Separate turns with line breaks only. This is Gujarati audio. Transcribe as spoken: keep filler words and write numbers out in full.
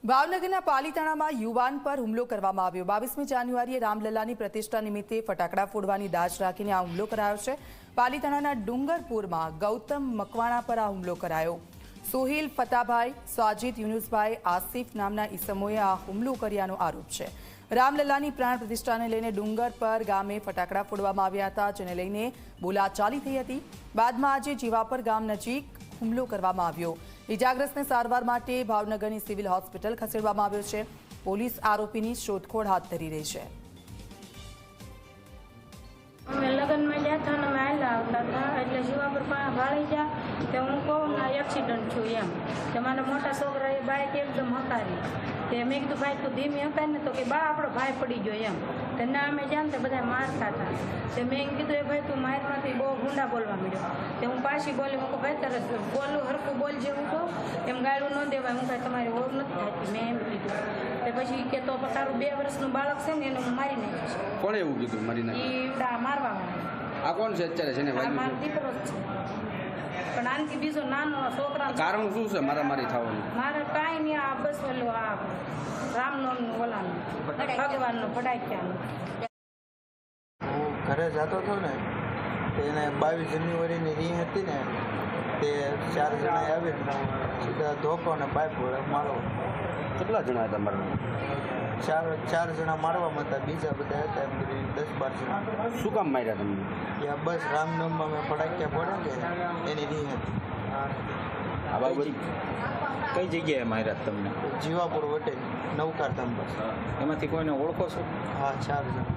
ભાવનગરના પાલીતાણામાં યુવાન પર હુમલો કરવામાં આવ્યો। બાવીસમી જાન્યુઆરીએ રામલલ્લાની પ્રતિષ્ઠા નિમિત્તે ફટાકડા ફોડવાની દાજ રાખીને આ હુમલો કરાયો છે। પાલીતાણાના ડુંગરપુરમાં ગૌતમ મકવાણા પર આ હુમલો કરાયો। સોહિલ ફતાભાઈ, સાજીદ યુનુસભાઈ, આસિફ નામના ઈસમોએ આ હુમલો કર્યાનો આરોપ છે। રામલલ્લાની પ્રાણ પ્રતિષ્ઠાને લઈને ડુંગર પર ગામે ફટાકડા ફોડવામાં આવ્યા હતા, જેને લઈને બોલાચાલી થઈ હતી। બાદમાં આજે જીવાપર ગામ નજીક હુમલો કરવામાં આવ્યો। ઇજાગ્રસ્તને સારવાર માટે ભાવનગરની સિવિલ હોસ્પિટલ ખસેડવામાં આવ્યો છે। પોલીસ આરોપીની શોધખોળ હાથ ધરી રહી છે।
અમે લગ્નમાં ગયા હતા ને અમે આવેલા આવતા હતા એટલે જીવાપર ભાળી ગયા કે હું કહું ના એક્સિડન્ટ છું એમ કે મારા મોટા છોકરાએ બાઇક એકદમ હકારી તે મેં કીધું ભાઈ તું ધીમી હકાય ને તો કે બા આપણો ભાઈ પડી ગયો એમ તો ના અમે જ્યાં તે બધા મારતા હતા તે મેં કીધું એ ભાઈ તું મારમાંથી બહુ ગુંડા બોલવા મળ્યો તે હું પાછી બોલી હું કહું ભાઈ તરત બોલું હરખું બોલજે હું કહું એમ ગાળું ન દેવાય હું કાંઈ તમારી ઓળખ નથી થતી મેં એમ કીધું તે પછી કે તો તારું બે વર્ષનું બાળક છે ને એને હું મારી નાખીશ।
કોણે એવું કીધું મારી
નાખી? એ મારવા
આ કોણ છે અત્યારે છે ને
મારો દીકરો જ છે પણ આનથી બીજો નાનો છોકરા
કારણ શું છે મારા મારી થવાનું? મારે
કાંઈ નહીં આ બસ ઓલું આ રામનવમીનું ઓલાનું ભગવાનનું ફટાક્યાનું।
હું ઘરે જતો હતો ને એને બાવીસ જાન્યુઆરીની રી હતી ને તે ચાર જણા આવીને સીધા ધોકો ને પાઇપ મારો।
કેટલા જણા હતા મારા?
ચાર ચાર જણા મારવામાં હતા, બીજા બધા હતા એમ કરી દસ બાર જણા।
શું કામ માર્યા તમને?
ત્યાં બસ રામનવમીમાં મેં ફટાક્યા પડે કે એની રી હતી।
આ બાબત કઈ જગ્યાએ માર્યા તમને?
જીવાપુર વટે નવકાર ધામ બસ।
એમાંથી કોઈને ઓળખો છો?
હા, ચાર જણા।